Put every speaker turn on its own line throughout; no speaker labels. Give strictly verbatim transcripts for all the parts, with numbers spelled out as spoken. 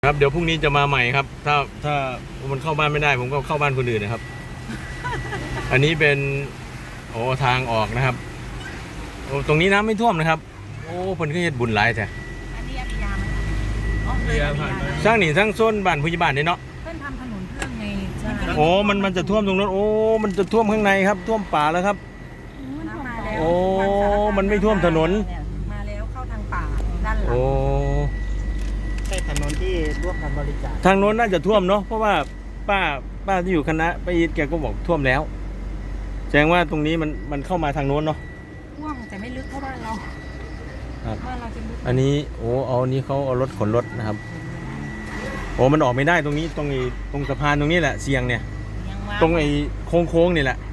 ครับเดี๋ยวพรุ่งนี้จะมาใหม่ครับถ้าถ้ามันเข้าบ้านไม่ได้ผมก็เข้าบ้านคนอื่นนะครับ อันนี้เป็นโอ้ทางออกนะครับโอ้ตรงนี้น้ำไม่ท่วมนะครับโอ้เพิ่นก็เฮ็ดบุญหลายแท้
อันนี้อภิยาไหมอ๋อเลยอภิยา
สร้างนี่สร้างโซนบ้านผู้ใหญ่บ้านนี่เนาะ
เพิ่นทำถนนเพิ่มไงใช่
โอ้มันมันจะท่วมตรงนั้นโอ้มันจะท่วมข้างในครับท่วมป่าแล้วครับโอ้มันไม่ท่วมถนน
มาแล้วเข้าทางป่าด้านหลัง
โอ้
ใช่ถนนที่ร่วมกันบริจาค
ทางโน้นน่าจะท่วมเนาะเพราะว่าป้าป้าที่อยู่คณะป้าอีทแกก็บอกท่วมแล้วแสดงว่าตรงนี้มันมันเข้ามาทางโน้นเนาะ
ท่วมแต่ไม่ลึกเท่าบ้านเราบ้านเราจะลึก
อันนี้โอ้เอาอันนี้เขาเอารถขนรถนะครับโอ้มันออกไม่ได้ตรงนี้ตรงไอ้ตรงสะพานตรงนี้แหละเสียงเนี่ยตรงไอ้โค้งโค้งนี่แหละ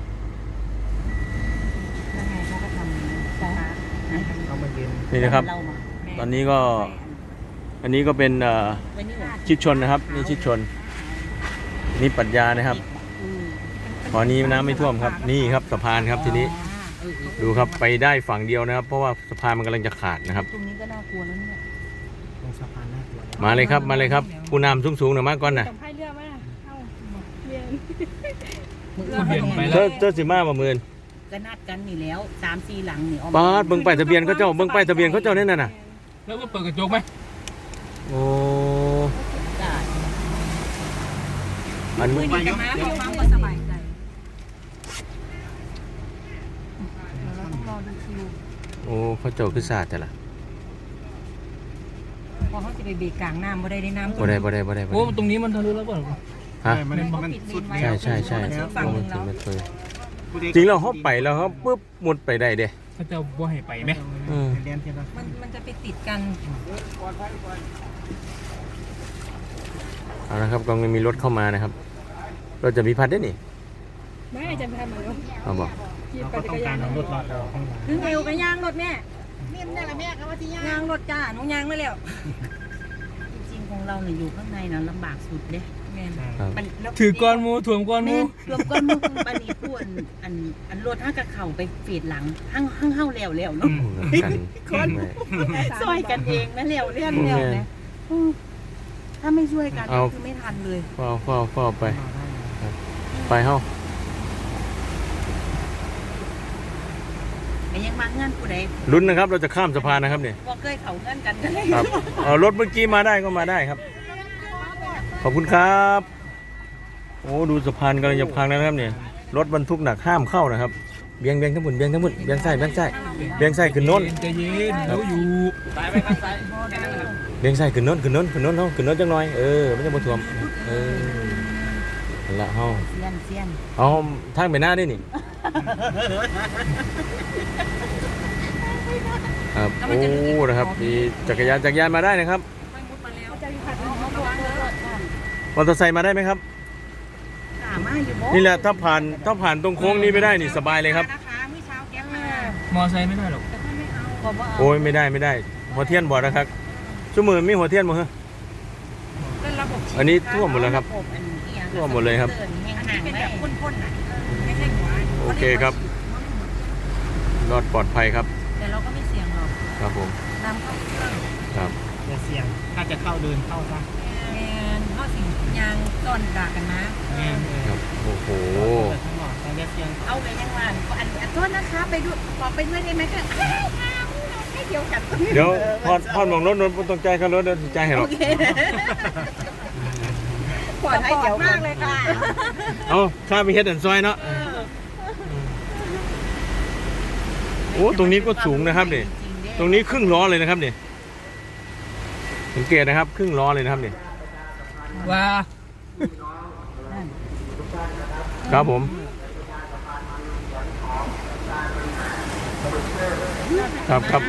นี่นะครับตอนนี้ก็อันนี้ก็เป็นชิดชนนะครับนี่ชิดชนนี่ปรัชญานะครับตอนนี้น้ำไม่ท่วมครับนี่ครับสะพานครับทีนี้ดูครับไปได้ฝั่งเดียวนะครับเพราะว่าสะพานมันกำลังจะขาดนะครับ
ตรงนี้ก็น่ากลัวแล้วเนี่ย
ตรงสะพานน่ากลัว
มาเลยครับมาเลยครับผู้นำสูงๆหน่อยมากก่อนนะเจ้าเจ้าสิมาบ่มื่น
ก็นัดกันนี่แล้วสามสี่หลังนี่
ป้าเบิ่งป้ายทะเบียนเขาเจ้าเบิ่งป้ายทะเบียนเขาเจ้าเนี่ยน่ะ
แล้วก็เปิดกระจกไหม
โอ้
อันมือดีกันนะพี่ฟังก็สบายใจเราต้องรอดูคิว
โอ้เขาเจ้าคือศาสตร์แต่ละ
พอเขาจะไปเบรกกลางน้ำบ่ได้ได้น้ำ
บ่ได้บ่ได้บ่ได้
โอ้ตรงนี้มันทะลุแล้วเปล่า
ฮะ
มันสุด
ใช่ใช่ใช่จริงเราเขาไปแล้วเขาปุ๊บมุดไปได้เด้
เขาจะบ่ให้ไปไหม
มันมันจะไปติดกัน
เอาละครับกองมีรถเข้ามานะครับเราจะมีพัดได้นี่
ไม่จะทำเหมือนกัน
เอาบอก
ก็ต้องการรถเรา
ถึงเอวกับยางรถแม่นี่มันอะไรแม่ครับว่าที่ยางรถจ้าน้องยางไม่แล้วจริงๆของเราเนี่ยอยู่ข้างในนะลำบากสุดเด้
ถือก้อนมูถ่วงก้อนมู
ถ่วงก้อนมูปนีพูดอันอันรถห้างกระเข่าไปฟีดหลังห้างห้างเห่าแล้วแล้วเนาะคนซอยกันเองนะแล้วเลี้ยนแล้วนะถ้าไม่ช่วยกันคือไม่ทันเลย
เฝ้าเฝ้าเฝ้าไปไปเฮ้า
ยังมาเงื่อนผู้ใด
ลุ้นนะครับเราจะข้ามสะพานนะครับเนี่ย
ว่าเคยเขาเงื่อนกันกันเลย
ครับเอารถเมื่อกี้มาได้ก็มาได้ครับขอบคุณครับโอ้ดูสะพานกำลังจะพังแล้วนะครับเนี่ยรถบรรทุกหนักห้ามเข้านะครับเบียงเบียงทั้งหมดเบียงทั้งหมดเบียงไส้เบียงไส้เบียงไส้ขึ้นโน้น
ใจเย็นเราอยู่ตายไปข้างซ้าย
เบียงไส้ขึ้นโน้นขึ้นโน้นขึ้นโน้นเนาะขึ้นโน้นจังหน่อยเออไม่ต้องมาถ่วมเออละเฮา
เซียนเซียน
เอาทางไปหน้าได้นี่ครับโอ้นะครับมีจักรยานจักรยานมาได้นะครับมอเตอร์ไซค์มาได้ไหมครับนี่แหละถ้าผ่านถ้าผ่านตรงโค้งนี้ไม่ได้นี่สบายเลยครับ
มอเตอร์ไซค์ไม่ได้หรอก
โอ้ยไม่ได้ไม่ได้หัวเทียนบอดนะครับชั่วโมงมีหัวเทียนมั้งฮะอันนี้ท่วมหมดแล้วครับท่วมหมดเลยครับโอเคครับรอดปลอดภัยครับ
แต่เราก็ไม่เสี่ยงหรอก
ครับผม
น้ำเข้าเครื่อง
ครับ
อย่าเสี่ยงถ้าจะเข้าเดินเข้าซะ
แมนเข้าสิ่งยางก่อนด่ากันนะครับ
โอ้โห
เอาไปยังวันอันโทษนะคะไปดูขอไปด้วยได้ไหมคะให้เดียวกัน
เดี๋ยวพอดพอดมองรถนนตรงใจครับรถเดินใจเห็นหรอ
ปลอดภัยเจ๋วมากเลยค่ะ
เอาข้าไปเฮ็ดอันซอยเนาะโอ้ตรงนี้ก็สูงนะครับเนี่ยตรงนี้ครึ่งล้อเลยนะครับเนี่ยสังเกตนะครับครึ่งล้อเลยนะครับเนี่ย
ว้า
ครับผมครับครับ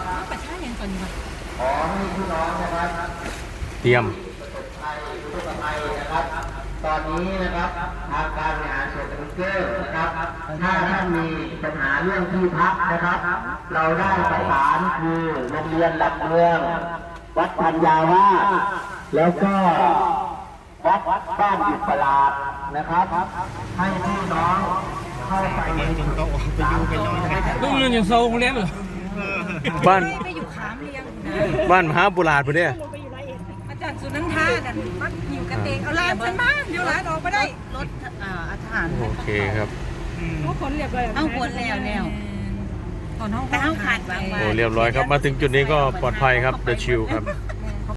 เตรียม
ตอนนี้นะครับทางการบริหารส่วนตำบลเกอร์นะครับถ้าท่านมีปัญหาเรื่องที่พักนะครับเราได้ประสานคือโรงเรียนหลักเมืองวัดปัญญาวาสแล้วก็วัดบ้านอิสลาดนะครับให้พี่น้องเข้าไปในจุดเขาออกไปอยู่ไปนอน
ลูกเรียนอย่างโซ่โรงเรียนเหรอ
บ้าน
ไปอยู่ขามเรียง
บ้านมหาบุราษฎร์พอดี
ป
จากสุนันทาดันมัดหิวกระเตงเอาลานฉันมาเดี๋ยวลานออกมาได้
รถอ่าอาหาร
โอเคครับ
เขาขนเรียบร้อย
เอาขนแล้วแล้วตอนห้องแต่ห้องขาดวางไว้
โอ้เรียบร้อยครับ มาถึงจุดนี้ก็ปลอดภัยครับ เดอะชิลครับ